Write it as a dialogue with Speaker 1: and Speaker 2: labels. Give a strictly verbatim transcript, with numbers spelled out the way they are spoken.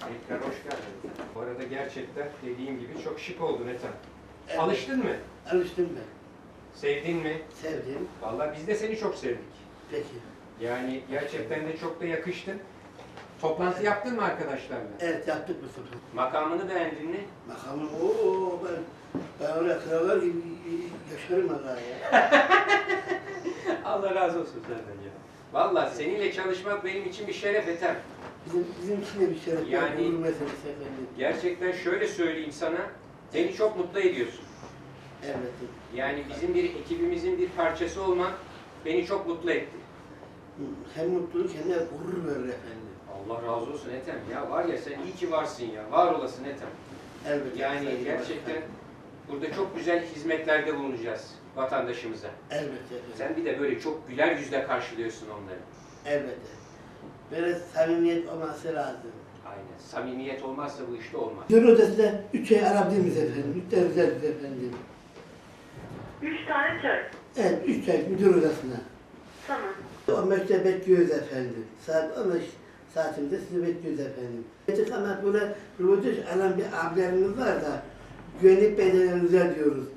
Speaker 1: Tekrar hoş geldin. Bu arada gerçekten dediğim gibi çok şık oldun Ethem.
Speaker 2: Evet.
Speaker 1: Alıştın mı?
Speaker 2: Alıştım ben.
Speaker 1: Sevdin mi?
Speaker 2: Sevdim.
Speaker 1: Vallahi biz de seni çok sevdik.
Speaker 2: Peki.
Speaker 1: Yani gerçekten de çok da yakıştın. Toplantı yaptın mı arkadaşlarla?
Speaker 2: Evet, yaptık bu sefer.
Speaker 1: Makamını beğendin mi?
Speaker 2: Makamım ooo ben ben öyle krallar gibi yaşarım Allah ya.
Speaker 1: Allah razı olsun senden ya. Vallahi seninle çalışmak benim için bir şeref Ethem.
Speaker 2: Bizim bizim için de bir şeref.
Speaker 1: Yani-
Speaker 2: gurur meselesi efendim.
Speaker 1: Gerçekten şöyle söyleyeyim sana, beni çok mutlu ediyorsun.
Speaker 2: Elbette.
Speaker 1: Yani bizim bir ekibimizin bir parçası olman beni çok mutlu etti.
Speaker 2: Hem mutluluk hem de gurur verir efendim.
Speaker 1: Allah razı olsun Ethem ya, var ya sen iyi ki varsın ya, var olasın Ethem.
Speaker 2: Elbette.
Speaker 1: Yani
Speaker 2: Sayın
Speaker 1: gerçekten
Speaker 2: Başkan.
Speaker 1: burada çok güzel hizmetlerde bulunacağız vatandaşımıza.
Speaker 2: Elbette efendim.
Speaker 1: Sen bir de böyle çok güler yüzle karşılıyorsun onları.
Speaker 2: Elbette. Böyle samimiyet olması lazım.
Speaker 1: Aynen. Samimiyet olmazsa bu işte olmaz.
Speaker 2: Müdür odasında üç ay alabilir miyiz efendim? Üç tane güzel efendim.
Speaker 3: Üç tane çay.
Speaker 2: Evet, üç ay müdür odasına.
Speaker 3: Tamam.
Speaker 2: on beşte bekliyoruz efendim. Saat on beş saatimde sizi bekliyoruz efendim. Artık ama böyle röportaj alan bir abilerimiz var da güvenlik bedelerinize diyoruz.